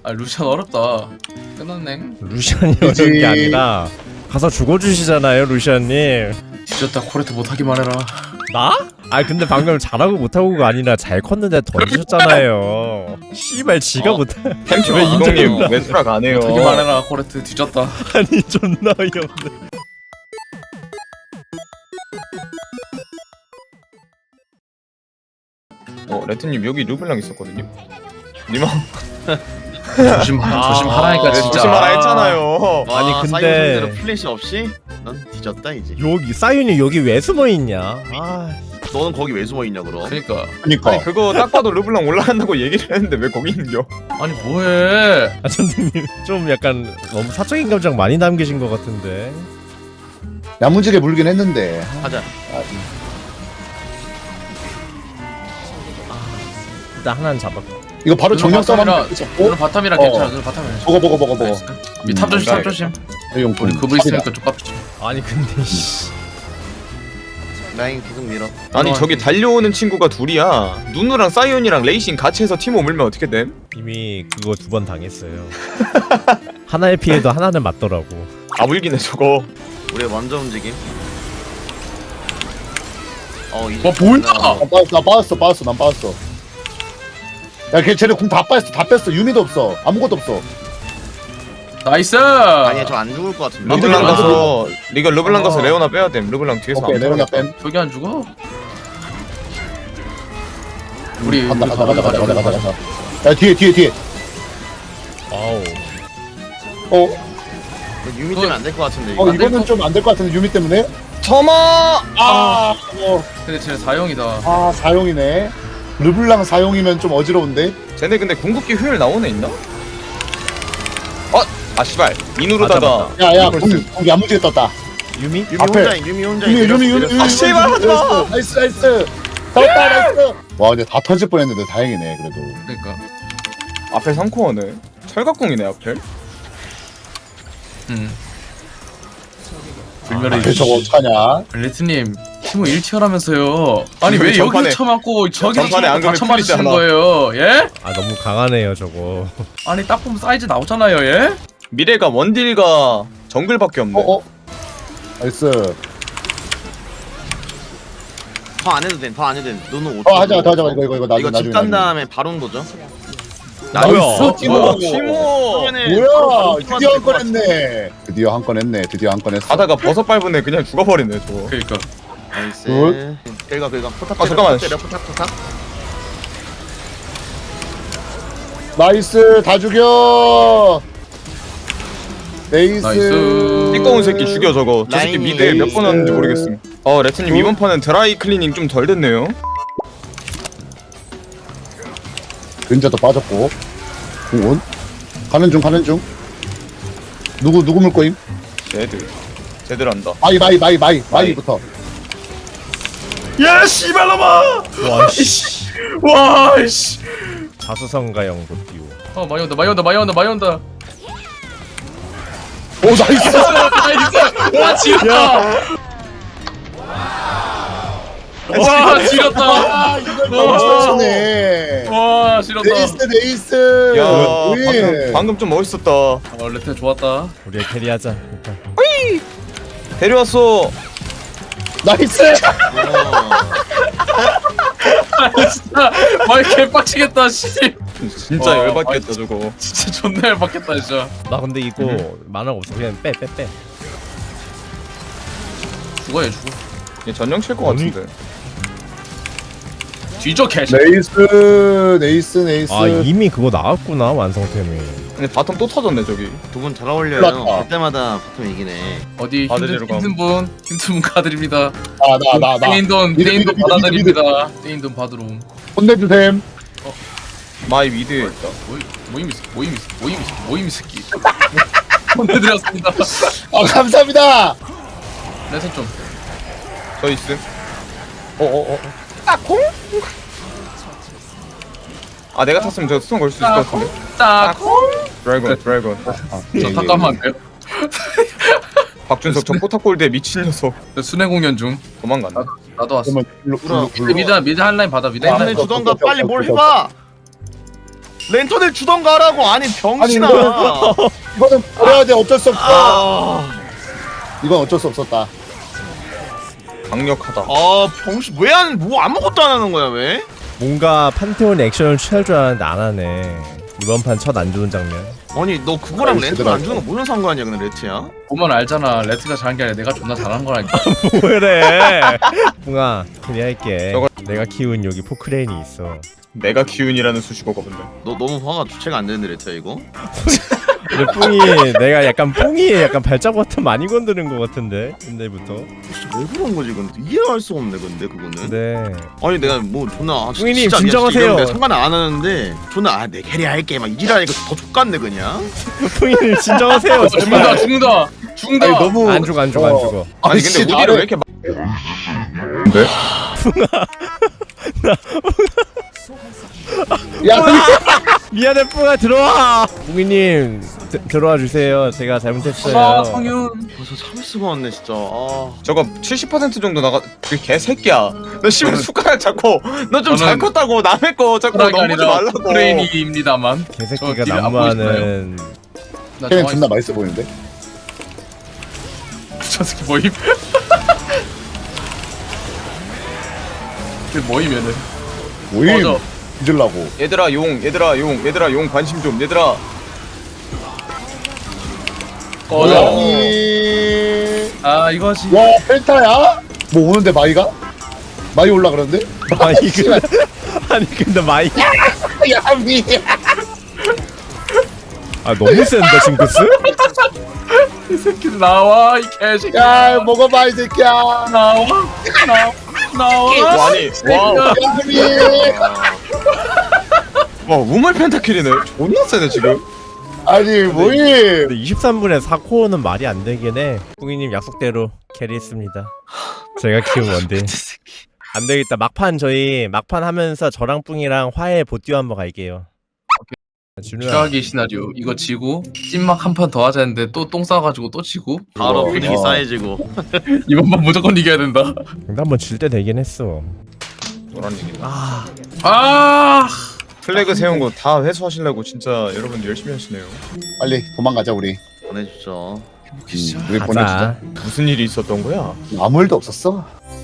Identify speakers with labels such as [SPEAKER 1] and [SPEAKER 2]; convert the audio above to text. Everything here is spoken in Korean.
[SPEAKER 1] 아 루시안 어렵다. 끝났네.
[SPEAKER 2] 루시안이 어려운 게 아니라 가서 죽어주시잖아요 루시안님.
[SPEAKER 1] 뒤졌다. 코레트 못하기만 해라.
[SPEAKER 2] 나? 아 근데 방금 잘하고 못하고가 아니라 잘 컸는데 던지셨잖아요. 씨발 지가 못해.
[SPEAKER 3] 템큐
[SPEAKER 2] 왜
[SPEAKER 3] 이동님 왜 수락 안 해요?
[SPEAKER 1] 못하기만 해라. 코레트 뒤졌다.
[SPEAKER 2] 아니 존나 어이없네.
[SPEAKER 3] 레트님 여기 르블랑 있었거든요. 님아
[SPEAKER 1] 조심하라니까 진짜.
[SPEAKER 3] 조심하라 했잖아요.
[SPEAKER 2] 아니,
[SPEAKER 4] 와,
[SPEAKER 2] 근데-
[SPEAKER 4] 사이온 상대로 플래시 없이 넌 뒤졌다 이제.
[SPEAKER 2] 여기 사윤이 여기 왜 숨어 있냐? 아
[SPEAKER 4] 너는 거기 왜 숨어 있냐 그럼?
[SPEAKER 1] 그러니까.
[SPEAKER 5] 그니까
[SPEAKER 3] 아니 그거 딱 봐도 르블랑 올라간다고 얘기를 했는데 왜 거기 있는겨?
[SPEAKER 1] 아니 뭐해?
[SPEAKER 2] 선생님 좀 약간 너무 사적인 감정 많이 남기신 것 같은데.
[SPEAKER 5] 야무지게 물긴 했는데
[SPEAKER 4] 가자.
[SPEAKER 2] 일단 하나는 잡았고.
[SPEAKER 5] 이거 바로 정령 싸움
[SPEAKER 1] 바텀이라-
[SPEAKER 5] 하면 잡고
[SPEAKER 1] 오늘 바텀이라 괜찮아. 오늘 바텀이라.
[SPEAKER 5] 먹어
[SPEAKER 1] 밑탑 조심, 탑 조심.
[SPEAKER 5] 이용
[SPEAKER 1] 우리 그브 있으니까 좀 깝지.
[SPEAKER 2] 아니 근데 씨.
[SPEAKER 4] 라인 계속 밀어.
[SPEAKER 3] 아니 저기 달려오는 친구가 둘이야. 누누랑 사이온이랑 레이싱 같이 해서 팀 오물면 어떻게 됨?
[SPEAKER 2] 이미 그거 2번 당했어요. 하나의 피해도 하나는 맞더라고.
[SPEAKER 3] 아물기네 저거.
[SPEAKER 4] 우리 먼저 움직임. 이제.
[SPEAKER 1] 와 뭐야?
[SPEAKER 5] 나 빠졌어 난 빠졌어 야걔 쟤네 공 다 뺐어 유미도 없어 아무것도 없어
[SPEAKER 1] 나이스.
[SPEAKER 4] 아니야 저 안 죽을 것 같은데.
[SPEAKER 3] 르블랑 가서 이거 르블랑 가서
[SPEAKER 1] 어.
[SPEAKER 3] 레오나 빼야 됨. 르블랑 뒤에서
[SPEAKER 5] 오케이
[SPEAKER 3] 안
[SPEAKER 5] 내려가
[SPEAKER 3] 빼.
[SPEAKER 5] 뺨
[SPEAKER 1] 저기 안 죽어? 우리
[SPEAKER 5] 간다
[SPEAKER 1] 가자.
[SPEAKER 5] 야 뒤에
[SPEAKER 2] 와우.
[SPEAKER 4] 유미 때문에 안 될 것 같은데. 이거.
[SPEAKER 5] 이거는 좀 안 될 것 같은데 유미 때문에
[SPEAKER 3] 터마.
[SPEAKER 1] 근데 쟤네 4형이다.
[SPEAKER 5] 사용이네 르블랑 사용이면 좀 어지러운데
[SPEAKER 3] 쟤네 근데 궁극기 효율 나오네 있나? 아 씨발 인으로다가
[SPEAKER 2] 맞아.
[SPEAKER 5] 야야 공 야무지게 떴다
[SPEAKER 2] 유미?
[SPEAKER 4] 유미
[SPEAKER 5] 앞에.
[SPEAKER 4] 혼자인. 유미 혼자.
[SPEAKER 5] 유미
[SPEAKER 3] 아, 씨발, 하지 마.
[SPEAKER 5] 나이스 떴다 나이스 와 근데 다 터질 뻔했는데 다행이네 그래도
[SPEAKER 1] 그러니까.
[SPEAKER 3] 앞에 3코어네. 철갑궁이네 앞에.
[SPEAKER 1] 불멸의
[SPEAKER 5] 저거 어떡하냐
[SPEAKER 1] 레트님 팀을 1티어라면서요. 아니 왜
[SPEAKER 3] 전판에-
[SPEAKER 1] 여기서 쳐맞고 저기서
[SPEAKER 3] 전판에 안
[SPEAKER 1] 다
[SPEAKER 3] 그러면
[SPEAKER 1] 쳐맞으시는
[SPEAKER 3] 풀리잖아.
[SPEAKER 1] 거예요? 예?
[SPEAKER 2] 아 너무 강하네요 저거.
[SPEAKER 1] 아니 딱 보면 사이즈 나오잖아요, 예?
[SPEAKER 3] 미래가 원딜과 정글밖에 없네.
[SPEAKER 5] 나이스
[SPEAKER 4] 더안 해도 돼. 더 안 해도 돼. 너는 5.
[SPEAKER 5] 하자 이거 나중에
[SPEAKER 4] 이거 집 간 다음에 바로 온 거죠?
[SPEAKER 5] 나이스 티모
[SPEAKER 3] 티모.
[SPEAKER 5] 뭐야 드디어 한 건 했네 드디어 한 건 했어
[SPEAKER 3] 가다가 버섯 밟은 애 그냥 죽어버리네 저거.
[SPEAKER 1] 그러니까.
[SPEAKER 4] 나이스.
[SPEAKER 5] 굿.
[SPEAKER 4] 긁어. 포탑
[SPEAKER 3] 아, 잠깐만.
[SPEAKER 4] 때려. 포탑.
[SPEAKER 5] 나이스 다 죽여
[SPEAKER 1] 나이스.
[SPEAKER 3] 띠꺼운 새끼 죽여 저거. 저 새끼
[SPEAKER 4] 라인이
[SPEAKER 3] 미드에 몇 번 왔는지 모르겠음. 레트님 이번 판은 드라이 클리닝 좀 덜 됐네요.
[SPEAKER 5] 근자도 빠졌고 공원 가는 중 누구 물 거임
[SPEAKER 3] 쟤들 한다.
[SPEAKER 5] 마이부터
[SPEAKER 1] 야 씨발놈아!
[SPEAKER 2] 와 씨.
[SPEAKER 1] 와 씨.
[SPEAKER 2] 자수성가형도 띄우.
[SPEAKER 1] 많이 온다.
[SPEAKER 5] 오 나이스
[SPEAKER 1] 나이스. 와 지렸다. 와 지렸다.
[SPEAKER 5] 아 이걸 맞췄네
[SPEAKER 1] 와 지렸다.
[SPEAKER 5] 네이스
[SPEAKER 3] 야 방금 좀 멋있었다.
[SPEAKER 1] 레트 좋았다.
[SPEAKER 2] 우리 캐리하자. 일단.
[SPEAKER 3] 데려왔어.
[SPEAKER 5] 나이스
[SPEAKER 1] 진짜 많이 개빡치겠다 씨.
[SPEAKER 3] 진짜
[SPEAKER 1] 와,
[SPEAKER 3] 열받겠다 저거.
[SPEAKER 1] 진짜 존나 열받겠다 진짜.
[SPEAKER 2] 나 근데 이거 만화가 없어. 그냥 빼.
[SPEAKER 1] 죽어.
[SPEAKER 3] 얘 전령 칠 것 같은데.
[SPEAKER 1] 뒤져 개.
[SPEAKER 5] 네이스
[SPEAKER 2] 아 이미 그거 나왔구나 완성템이.
[SPEAKER 3] 근데 바텀 또 터졌네 저기.
[SPEAKER 4] 두 분 잘 어울려요.
[SPEAKER 5] 올랐다.
[SPEAKER 4] 그때마다 보통 이기네.
[SPEAKER 1] 어디
[SPEAKER 3] 받으시러
[SPEAKER 1] 힘든 분 가드립니다.
[SPEAKER 5] 나
[SPEAKER 1] 떼인 돈
[SPEAKER 5] 미드,
[SPEAKER 1] 받아드립니다. 떼인 돈 받으러 옴.
[SPEAKER 5] 혼내주셈
[SPEAKER 3] 마이 미드에 있다.
[SPEAKER 1] 모임 새끼. 보내드렸습니다.
[SPEAKER 5] 감사합니다
[SPEAKER 1] 레슨 좀.
[SPEAKER 3] 저 있음. 내가 탔으면 저 수성 걸 수 있을 것 같은데.
[SPEAKER 1] 딱.
[SPEAKER 3] 드래곤.
[SPEAKER 1] 저 잠깐만 돼요.
[SPEAKER 3] 박준석 저 포탑골드에 미친 녀석.
[SPEAKER 1] 순회 공연 중.
[SPEAKER 3] 도망갔네.
[SPEAKER 1] 나도 왔어.
[SPEAKER 5] 그러면
[SPEAKER 1] 미드 한라인 받아. 미드
[SPEAKER 4] 내
[SPEAKER 1] 한라인.
[SPEAKER 4] 눈에 주던가 빨리 뭘 해봐. 랜턴을 주던가 하라고. 아니 병신아.
[SPEAKER 5] 이거는 버려야 돼. 어쩔 수 없어.
[SPEAKER 4] 아,
[SPEAKER 5] 이건 어쩔 수 없었다.
[SPEAKER 3] 강력하다.
[SPEAKER 4] 병신 뭐 아무것도 안 하는 거야 왜?
[SPEAKER 2] 뭔가 판테온 액션을 취할 줄 알았는데 안 하네. 이번 판 첫 안 좋은 장면.
[SPEAKER 4] 아니 너 그거랑
[SPEAKER 5] 아이,
[SPEAKER 4] 랜턴 안
[SPEAKER 5] 제대로
[SPEAKER 4] 주는 거 무슨 상관이야 근데 레트야?
[SPEAKER 1] 보면 알잖아. 레트가 잘한 게 아니라 내가 존나 잘한 거라니까.
[SPEAKER 2] 뭐래? 붕아, 그리할게.
[SPEAKER 3] 저거-
[SPEAKER 2] 내가 키운 여기 포크레인이 있어.
[SPEAKER 3] 내가 기운이라는 수식어가 뭔데?
[SPEAKER 4] 너 너무 화가 주체가 안 되는데 레트야 이거?
[SPEAKER 2] 근데 뿡이 내가 약간 뿡이 약간 발작 버튼 많이 건드는 것 같은데 옛날부터.
[SPEAKER 4] 진짜 왜 그런 거지 근데 이해할 수 없네 근데 그거는.
[SPEAKER 2] 네.
[SPEAKER 4] 아니 내가 뭐 존나
[SPEAKER 2] 뿌이님,
[SPEAKER 4] 진짜 아니야,
[SPEAKER 2] 진정하세요.
[SPEAKER 4] 진짜 이런데 상관 안 하는데 존나 내 캐리 할게 막 이지라니까 더 족같네 그냥.
[SPEAKER 2] 뿡이님 진정하세요.
[SPEAKER 1] 죽는다 죽는다 죽는다.
[SPEAKER 5] 아니 너무
[SPEAKER 2] 안 죽어 안 죽어 안 죽어.
[SPEAKER 3] 아니
[SPEAKER 5] 씨,
[SPEAKER 3] 근데 우디를
[SPEAKER 5] 나를-
[SPEAKER 3] 왜 이렇게 네?
[SPEAKER 5] 야,
[SPEAKER 2] 미안해 뿡아 들어와. 뿡이님 들어와 주세요. 제가 잘못했어요.
[SPEAKER 1] 아 성윤.
[SPEAKER 4] 벌써 참을 수가 없네 진짜.
[SPEAKER 3] 저거 70% 정도 나가 그 개새끼야. 너 씨발
[SPEAKER 1] 저는-
[SPEAKER 3] 숟가락 잡고 너 좀 잘
[SPEAKER 1] 저는-
[SPEAKER 3] 컸다고 남의 거 자꾸
[SPEAKER 1] 사랑이
[SPEAKER 3] 넘보지
[SPEAKER 1] 아니라
[SPEAKER 3] 말라고.
[SPEAKER 1] 프레인입니다만.
[SPEAKER 2] 개새끼가
[SPEAKER 1] 저 뒤에 안
[SPEAKER 2] 난무하는.
[SPEAKER 1] 나
[SPEAKER 5] 걔는
[SPEAKER 1] 정말
[SPEAKER 5] 존나 맛있어 보이는데.
[SPEAKER 1] 저 새끼 모임. 그 모이면은
[SPEAKER 5] 모임
[SPEAKER 1] 꺼져.
[SPEAKER 5] 잊으려고.
[SPEAKER 3] 얘들아 용 관심 좀 얘들아.
[SPEAKER 1] 꺼져.
[SPEAKER 5] 아니.
[SPEAKER 1] 아 이거지.
[SPEAKER 5] 와 펜타야? 뭐 오는데 마이가? 마이 올라 그러는데?
[SPEAKER 2] 마이 그 아니 근데 마이
[SPEAKER 5] 야미.
[SPEAKER 2] 아 너무 센다 징크스?
[SPEAKER 1] 이 새끼 나와 이 개새끼.
[SPEAKER 5] 야 먹어봐 이 새끼야.
[SPEAKER 1] 나와 나와.
[SPEAKER 3] 아니 와,
[SPEAKER 5] 야미.
[SPEAKER 3] 와 우물 펜타킬이네. 존나 세네 지금.
[SPEAKER 5] 아니 모임.
[SPEAKER 2] 근데 23분에 4코어는 말이 안 되긴 해. 뿡이님 약속대로 캐리했습니다. 제가 키운 원딜. 안 되겠다. 막판 저희 막판 하면서 저랑 뿡이랑 화해 보띠오 한번 갈게요. 준우야.
[SPEAKER 1] 최악의 시나리오. 이거 지고 찐막 한 판 더 하자 했는데 또 똥 싸가지고 또 지고.
[SPEAKER 4] 바로 분위기
[SPEAKER 5] 와.
[SPEAKER 4] 쌓여지고.
[SPEAKER 1] 이번만 무조건 이겨야 된다.
[SPEAKER 2] 근데 한번 질 때 되긴 했어.
[SPEAKER 3] 뭐란 얘기야.
[SPEAKER 1] 아.
[SPEAKER 3] 플래그 세운 거 다 회수하시려고 진짜 여러분 열심히 하시네요.
[SPEAKER 5] 빨리 도망가자 우리.
[SPEAKER 4] 보내주죠.
[SPEAKER 5] 우리 보내주자.
[SPEAKER 2] 가자.
[SPEAKER 3] 무슨 일이 있었던 거야?
[SPEAKER 5] 아무 일도 없었어.